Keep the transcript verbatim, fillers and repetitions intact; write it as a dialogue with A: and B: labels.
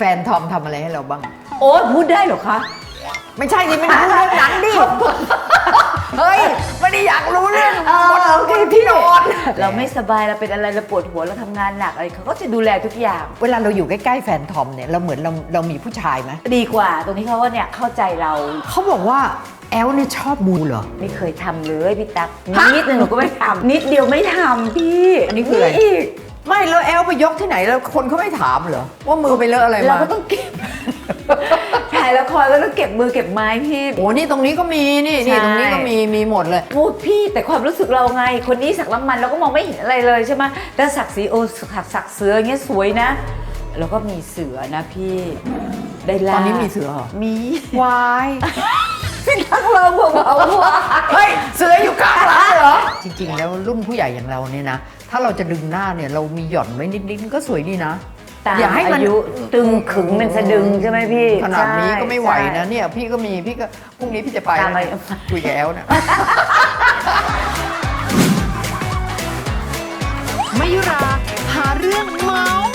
A: ฟนทอมทำอะไรให้เราบ้าง
B: โอ้พูดได้เหรอคะ
A: ไม่ใช่ดิไม่รู้เรื่องนั้นดิเฮ้ยไม่ได้อยากรู้เรื่องบนบนที่นอน
B: เราไม่สบายเราเป็นอะไรเราปวดหัวเราทำงานหนักอะไรเขาก็จะดูแลทุกอย่าง
A: เวลาเราอยู่ใกล้ๆแฟนทอมเนี่ยเราเหมือนเราเรามีผู้ชายไหม
B: ดีกว่าตรงที่เขาว่าเนี่ยเข้าใจเรา
A: เขาบอกว่าแอลเนี่ยชอบบูเหรอ
B: ไม่เคยทำเลยพี่ตั๊กนิดนึงหนูก็ไม่ทำนิดเดียวไม่ทำพี่
A: อันนี้คืออะไรไม่แล้วแอลไปยกที่ไหนแล้วคนเขาไม่ถามเหรอว่ามือไปเลอะอะไรมา
B: เราก็ต้องเก็บถ่ายละครแล้วต้องเก็บมือเก็บไม้พี่
A: โอ้นี่ตรงนี้ก็มีนี่นี่ตรงนี้ก็มีมีหมดเลย
B: พูดพี่แต่ความรู้สึกเราไงคนนี้สักน้ำมันเราก็มองไม่เห็นอะไรเลยใช่ไหมแต่สักสีโอสักสักเสืออย่างเงี้ยสวยนะแล้วก็มีเสือนะพี่ได้ล่า
A: ตอนนี้มีเสือเหรอ
B: มี
A: วาย
B: พี่ทักเราบอกเอาว่า
A: เฮ้ยเสืออยู่กลางหลังเหรอจริงๆแล้วรุ่นผู้ใหญ่อย่างเราเนี่ยนะถ้าเราจะดึงหน้าเนี่ยเรามีหย่อนไว้นิดๆก็สวยดีนะ
B: อย่าให้มันอายุตึงขึงเป็นสะดึงใช่ไหมพี่
A: ขนาดนี้ก็ไม่ไหวนะเนี่ยพี่ก็มีพี่ก็พรุ่งนี้พี่จะไปคุยกับแอลนะ
C: มายุราหาเรื่องเมาส์